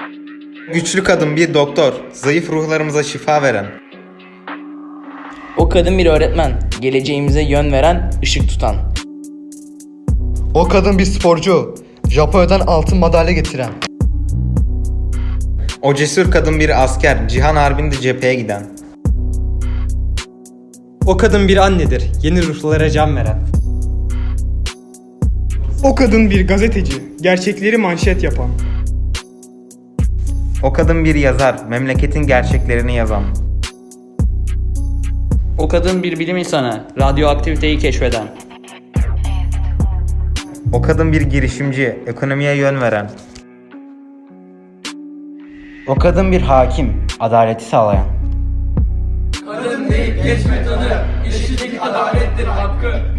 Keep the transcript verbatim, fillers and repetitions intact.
Güçlü kadın bir doktor, zayıf ruhlarımıza şifa veren. O kadın bir öğretmen, geleceğimize yön veren, ışık tutan. O kadın bir sporcu, Japonya'dan altın madalya getiren. O cesur kadın bir asker, cihan harbinde cepheye giden. O kadın bir annedir, yeni ruhlara can veren. O kadın bir gazeteci, gerçekleri manşet yapan. O kadın bir yazar, memleketin gerçeklerini yazan. O kadın bir bilim insanı, radyoaktiviteyi keşfeden. O kadın bir girişimci, ekonomiye yön veren. O kadın bir hakim, adaleti sağlayan. Kadın değil geçme tadı, eşitlik adalettir hakkı.